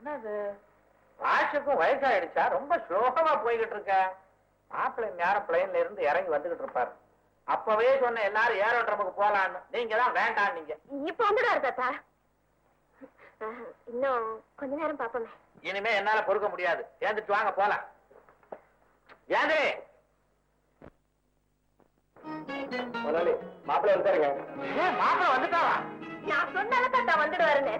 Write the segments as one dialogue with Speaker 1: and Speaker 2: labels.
Speaker 1: என்னது வாஷுக்கும் வயசாயிடுச்சா? ரொம்ப ஸ்லோகமா போய்கிட்டு இருக்க. மாப்பிள்ளை நேரம் பிளைன்ல இருந்து இறங்கி வந்துகிட்டு இருப்பாரு. அப்பவே சொன்ன எல்லாரும் ஏரோட்ரமுக்கு போலான்னு, நீங்க தான் வேண்டாம். நீங்க
Speaker 2: இப்ப வந்துடுவாரு தாத்தா. இன்னும் கொஞ்ச நேரம் பாப்போமே.
Speaker 1: இனிமே என்னால பொறுக்க முடியாது. ஏந்துட்டு வாங்க போலாம். ஏந்து மாப்பிள்ளை வந்துட்டாருங்க. மாப்பிள்ளை வந்துட்டாவா?
Speaker 2: நான் சொன்னால தாத்தா வந்துடுவாருன்னு.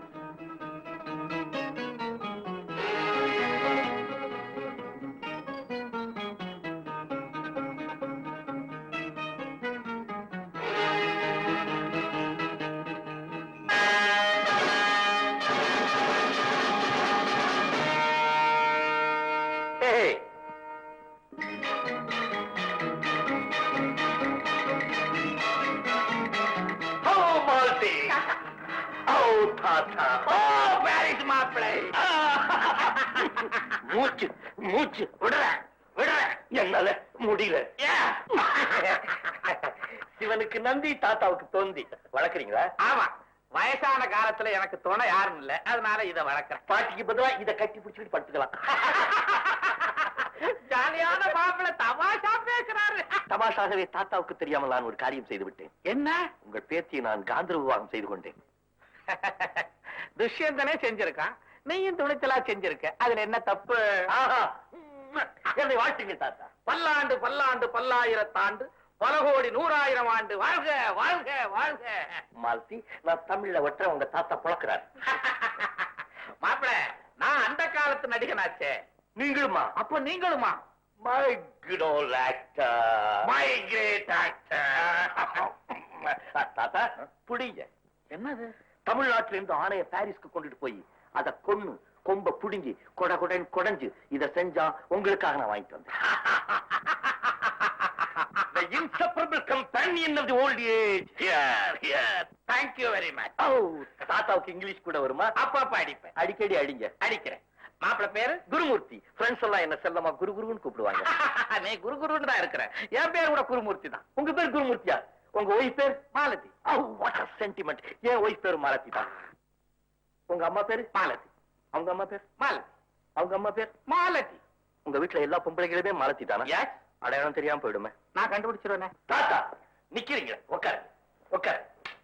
Speaker 3: மூச்சு மூச்சு விடுற விடுற என்னால முடியல. சிவனுக்கு நந்தி, தாத்தாவுக்கு தோந்தி. வளர்க்குறீங்களா?
Speaker 1: ஆமா, வயசான காலத்துல எனக்கு துணை யாரும் இல்ல, அதனால இத வளர்க்கிறேன்.
Speaker 3: பாட்டிக்கு பதிலா இதை கட்டி பிடிச்சிட்டு படுத்துக்கலாம்.
Speaker 1: ஜாலியான மாப்பிள்ளை தமாஷா பேசுறாரு.
Speaker 3: தமாஷாகவே தாத்தாவுக்கு தெரியாமல் நான் ஒரு காரியம் செய்து விட்டேன்.
Speaker 1: என்ன?
Speaker 3: உங்கள் பேத்தியை நான் காந்தர் விவாகம் செய்து கொண்டேன்.
Speaker 1: துஷ்யந்தனே செஞ்சிருக்கான், நீயும் துணிச்சலா செஞ்சிருக்க. அதுல என்ன தப்பு?
Speaker 3: என்னை வாழ்த்துங்க தாத்தா.
Speaker 1: பல்லாண்டு பல்லாண்டு பல்லாயிரத்தாண்டு பல கோடி 100,000 ஆண்டு வாழ்க வாழ்க வாழ்க.
Speaker 3: மாலதி, நான் தமிழ்ல ஒற்ற உங்க தாத்தா புழக்கிறார்.
Speaker 1: மாப்பிள்ள, நான் அந்த காலத்து நடிகனாச்சே.
Speaker 3: நீங்களுமா?
Speaker 1: அப்ப நீங்களுமா?
Speaker 3: My good old actor,
Speaker 1: my great actor.
Speaker 3: தாத்தா புடிங்க.
Speaker 1: என்னது?
Speaker 3: தமிழ்நாட்டில இருந்து ஆணைய பாரிஸ்க்கு கொண்டுட்டு போய் அத கொன்னு கொம்ப புடுங்கி கொட கொடன் கொடைஞ்சு இத செஞ்சா உங்களுக்காக நான் வாங்கிட்டு வந்தேன். The inseparable companion of the old age. Here, here.
Speaker 1: Thank you very much.
Speaker 3: தாத்தாவுக்கு இங்கிலீஷ் கூட வருமா?
Speaker 1: அப்பப்ப அடிப்பேன்.
Speaker 3: அடிக்கடி அடிங்க.
Speaker 1: அடிக்கிறேன். மாப்பிள்ள பேரு
Speaker 3: குருமூர்த்தி. ஃப்ரெண்ட்ஸ் எல்லாம் என்ன செல்லமா குரு குருன்னு கூப்பிடுவாங்க.
Speaker 1: நீ குரு குருன்னு தான் இருக்கிற. என் பேர் கூட குருமூர்த்தி தான்.
Speaker 3: உங்க பேர் குருமூர்த்தியா? உங்க ஒய்ஃப் பேர்
Speaker 1: மாலதி.
Speaker 3: What a sentiment. என் ஒய்ஃப் பேர் மாலதி தான். உங்க அம்மா பேரு
Speaker 1: மாலதி.
Speaker 3: அவங்க அம்மா பேர்
Speaker 1: மாலதி.
Speaker 3: அவங்க அம்மா பேர்
Speaker 1: மாலதி.
Speaker 3: உங்க வீட்டுல எல்லா பொம்பளைகளுமே மாலதி தானா?
Speaker 1: எஸ்.
Speaker 3: அடையாளம் தெரியாம போயிடுமே.
Speaker 1: நான் கண்டுபிடிச்சிருவேனே.
Speaker 3: தாத்தா நிக்கிறீங்க, உட்காரு உட்காரு.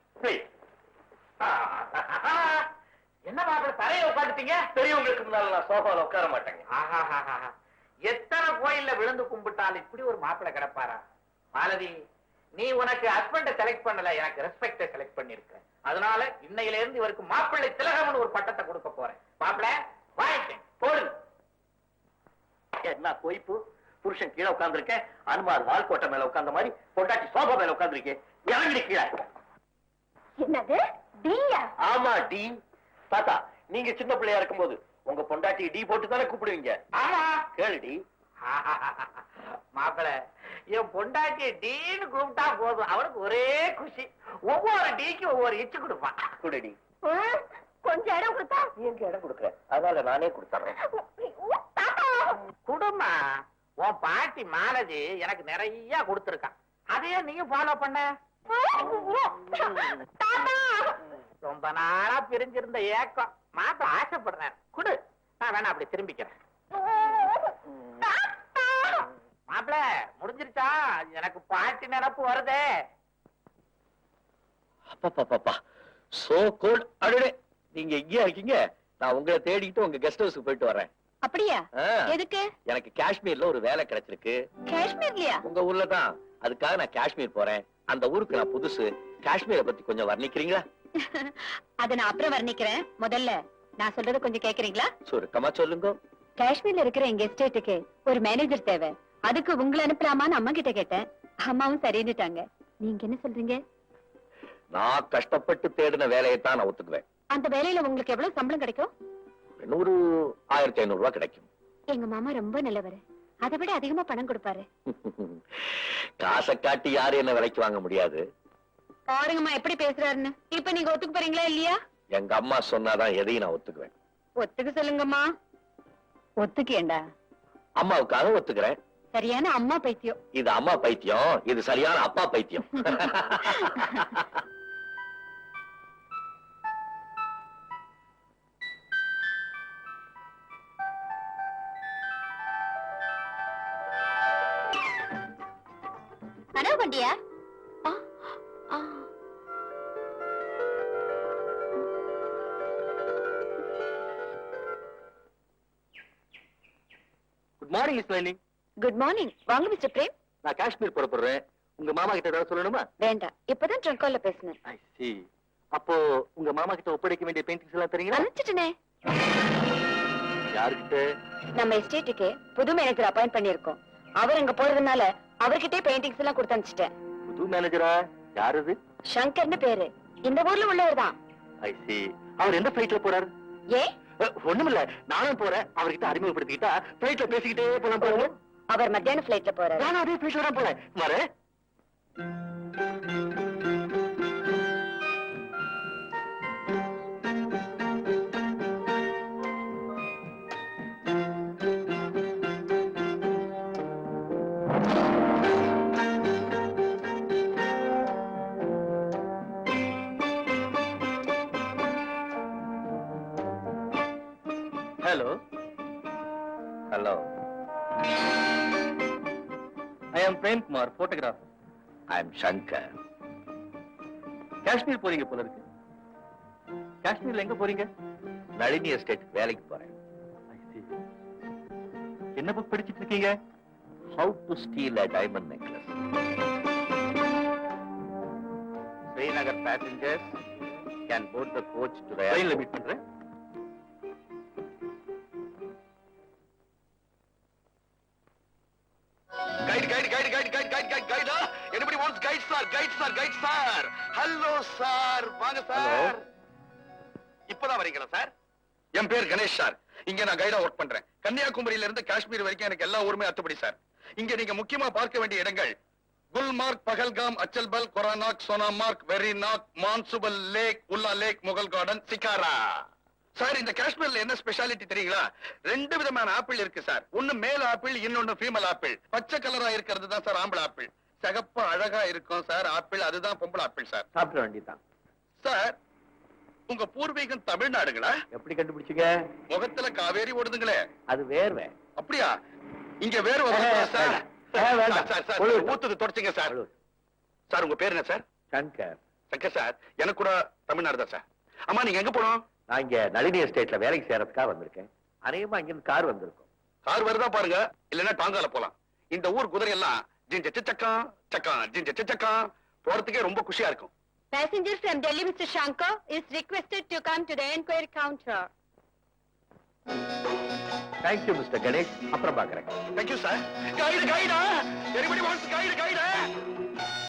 Speaker 1: என்ன மாப்பிள்ள தரைய உட்காந்துட்டீங்க?
Speaker 3: பெரியவங்களுக்கு முன்னால நான் சோஃபால உட்கார மாட்டேங்க.
Speaker 1: எத்தனை கோயில்ல விழுந்து கும்பிட்டாலும் இப்படி ஒரு மாப்பிள்ள கிடப்பாரா? மாலதி, நீ உனக்கு ஹஸ்பண்ட செலக்ட் பண்ணல, எனக்கு ரெஸ்பெக்ட செலக்ட் பண்ணிருக்க. அதனால இன்னையில இருந்து இவருக்கு மாப்பிள்ளை திலகம்னு ஒரு பட்டத்தை கொடுக்க போறேன். மாப்பிள்ள வாங்கிட்டேன், போடுங்க.
Speaker 3: என்ன பொய்ப்பு? புருஷன் கீழே உட்கார்ந்துருக்கேன், அனுமார் வால்கோட்டை மேல உட்கார்ந்த மாதிரி பொண்டாட்டி சோஃபா மேல உட்கார்ந்துருக்கேன். இறங்கி கீழே.
Speaker 2: என்னது? டீயா?
Speaker 3: ஆமா, டி. தாத்தா, நீங்க சின்ன பிள்ளையா இருக்கும்போது உங்க பொண்டாட்டி டி போட்டு தானே கூப்பிடுவீங்க?
Speaker 1: ஆமா.
Speaker 3: கேளுடி.
Speaker 1: மாப்பிள்ள, என் பொண்டாட்டிய டீன்னு கூப்பிட்டா போதும், அவனுக்கு ஒரே குஷி. ஒவ்வொரு டீக்கு ஒவ்வொரு இச்சு கொடுப்பான்.
Speaker 3: குடுடி.
Speaker 2: கொஞ்சம் இடம் கொடுத்தா?
Speaker 3: எங்க இடம் கொடுக்குறேன், அதனால நானே கொடுத்துறேன்.
Speaker 1: குடுமா, உன் பாட்டி மாலதி எனக்கு நிறைய கொடுத்துருக்கான். அதையே நீயும் ஃபாலோ பண்ண. ரொம்ப நாளா பிரிஞ்சிருந்த ஏக்கம் மாத்த ஆசைப்படுறேன். குடு, நான் வேணா அப்படி திரும்பிக்கிறேன். மாப்பிள, முடிஞ்சிருச்சா? எனக்கு பாட்டி நினப்பு வருதே.
Speaker 3: அப்பா சோ கோல்ட். அடடே, நீங்க எங்கேயா இருக்கீங்க? நான் உங்களை தேடிட்டு உங்க கெஸ்ட் ஹவுஸ்க்கு போயிட்டு வரேன்.
Speaker 2: அப்படியா? எதுக்கு?
Speaker 3: எனக்கு காஷ்மீர்ல ஒரு வேலை கிடைச்சிருக்கு.
Speaker 2: காஷ்மீர்லயா?
Speaker 3: உங்க ஊர்ல தான். அதுக்காக நான் காஷ்மீர் போறேன். அந்த ஊருக்கு நான் புதுசு. காஷ்மீரை பத்தி கொஞ்சம் வர்ணிக்கிறீங்களா?
Speaker 2: அத நான் அப்புறம் வர்ணிக்கிறேன். முதல்ல நான் சொல்றது கொஞ்சம் கேக்குறீங்களா?
Speaker 3: சுருக்கமா சொல்லுங்க.
Speaker 2: காஷ்மீர்ல இருக்கிற எங்க எஸ்டேட்டுக்கு ஒரு மேனேஜர் தேவை. அதுக்கு உங்களை அனுப்பலாமான்னு அம்மா கிட்ட கேட்டேன். அம்மாவும் சரின்னுட்டாங்க. நீங்க என்ன சொல்றீங்க?
Speaker 3: நான் கஷ்டப்பட்டு தேடின வேலையை தான் நான் ஒத்துக்குவேன்.
Speaker 2: அந்த வேலையில உங்களுக்கு எவ்வளவு சம்பளம் கிடைக்கும்?
Speaker 3: 1500 ரூபாய் கிடைக்கும்.
Speaker 2: எங்க மாமா ரொம்ப நல்லவர். அதை விட அதிகமா பணம் கொடுப்பாரு.
Speaker 3: காசை காட்டி யாரும் என்ன விலைக்கு வாங்க முடியாது.
Speaker 2: பாருங்கம்மா எப்படி பேசுறாருன்னு. இப்ப நீங்க ஒத்துக்கு போறீங்களா இல்லையா?
Speaker 3: எங்க அம்மா சொன்னாதான் எதையும் நான் ஒத்துக்குவேன்.
Speaker 2: ஒத்துக்க சொல்லுங்கம்மா. ஒத்துக்கேண்டா.
Speaker 3: அம்மாவுக்காக ஒத்துக்கிறேன்.
Speaker 2: சரியான அம்மா பைத்தியம்.
Speaker 3: இது அம்மா பைத்தியம், இது சரியான அப்பா பைத்தியம்.
Speaker 2: கனவு கண்டியா?
Speaker 3: Good morning miss Nalini.
Speaker 2: Good morning. வாங்க மிஸ்டர் பிரேம்.
Speaker 3: நான் காஷ்மீர் புறப்படுறேன். உங்க மாமா கிட்ட ஏதாவது சொல்லணுமா?
Speaker 2: வேண்டாம், இப்பதான் ட்ரங்க் கால்ல பேசினேன்.
Speaker 3: ஐ see. அப்போ உங்க மாமா கிட்ட ஒப்படைக்க வேண்டிய பெயிண்டிங்ஸ் எல்லாம் தரீங்களா?
Speaker 2: அனுப்பிச்சிட்டனே.
Speaker 3: யாருக்கிட்ட?
Speaker 2: நம்ம எஸ்டேட்டுக்கு புது மேனேஜர் அப்பாயிண்ட் பண்ணிருக்கோம். அவர் அங்க போறதுனால அவர்கிட்டே பெயிண்டிங்ஸ் எல்லாம் கொடுத்து அனுப்பிச்சிட்டேன்.
Speaker 3: புது மேனேஜரா? யார் அது?
Speaker 2: சங்கர்னு பேரு. இந்த ஊர்ல உள்ளவர் தான்.
Speaker 3: ஐ see. அவர் எந்த ஃபிளைட்ல போறாரு?
Speaker 2: ஏ
Speaker 3: ஒண்ணுமில்ல, நானும் போறேன். அவர்கிட்ட அறிமுகப்படுத்திக்கிட்டா ஃபிளைட்ல பேசிக்கிட்டே போலாம் பாருங்க.
Speaker 2: அவர் மத்தியான ஃபிளைட்ல போறாரு.
Speaker 3: நானும் அதே ஃபிளைட்ல தான் போறேன். வரேன். Hello. Hello. I am Prem Kumar, photographer. I am Shankar. Kashmir போறீங்க போல இருக்கு. காஷ்மீர்ல எங்க போறீங்க? நளினி எஸ்டேட் வேலைக்கு போறேன். I see. என்ன புக் படிச்சிட்டு இருக்கீங்க? How to steal a diamond necklace.
Speaker 1: Srinagar passengers can board the coach to the
Speaker 3: ட்ரெயின்ல
Speaker 1: airport.
Speaker 3: மீட் பண்றேன்.
Speaker 4: Guide. Anybody wants guide, sir? Hello, sir. வாங்க சார். இப்பதான் வரீங்களா சார்? என் பேர் கணேஷ் சார். இங்க நான் கைடா ஒர்க் பண்றேன். கன்னியாகுமரியில இருந்து காஷ்மீர் வரைக்கும் எனக்கு எல்லா ஊருமே அத்துப்படி சார். இங்க நீங்க முக்கியமா பார்க்க வேண்டிய இடங்கள் Gulmarg, Pahalgam, Achabal, Kokernag, Sonamarg, Verinag, Manasbal lake, Wular lake, Mughal garden, shikara. Sir, இந்த காஷ்மீர்ல என்ன ஸ்பெஷாலிட்டி தெரியுங்களா? 2 விதமான ஆப்பிள் இருக்கு சார். ஒன்னு மேல் ஆப்பிள், இன்னொன்னு ஃபீமேல் ஆப்பிள். பச்சை கலரா இருக்கிறது தான் சார் ஆம்பளை ஆப்பிள். சிகப்பா அழகா இருக்கும் சார் ஆப்பிள், அதுதான் பொம்பளை ஆப்பிள் சார்.
Speaker 3: சாப்பிட வேண்டியதான்.
Speaker 4: சார், உங்க பூர்வீகம் தமிழ்நாடுங்களா?
Speaker 3: எப்படி கண்டுபிடிச்சீங்க?
Speaker 4: முகத்துல காவேரி ஓடுதுங்களே.
Speaker 3: அது வேர்வை.
Speaker 4: அப்படியா? இங்க வேறு சார்.
Speaker 3: வேண்டாம்.
Speaker 4: சார், சார்,
Speaker 3: ஒழுங்கு.
Speaker 4: ஊத்துது தொடச்சிங்க சார். சார், உங்க பேர் என்ன சார்?
Speaker 3: சங்கர்.
Speaker 4: சங்கர் சார், எனக்கு கூட தமிழ்நாடு தான் சார். அம்மா, நீங்க எங்க போனோம்?
Speaker 3: நான் இங்க நளினி எஸ்டேட்ல வேலைக்கு சேரதுக்காக வந்திருக்கேன். அநேகமா இங்க இருந்து கார் வந்திருக்கும்.
Speaker 4: கார் வருதா பாருங்க, இல்லன்னா டாங்கால போலாம். இந்த ஊர் குதிரை எல்லாம் ஜிஞ்ச சக்கா சக்கா ஜிஞ்ச சக்கா போறதுக்கே ரொம்ப குஷியா இருக்கும்.
Speaker 2: Passenger from Delhi, Mr. Shankar, is requested to come to the enquiry counter.
Speaker 3: Thank you mister Ganesh. அப்புறம் பாக்குறேன்.
Speaker 4: Thank you, sir. Guide. Anybody wants guide?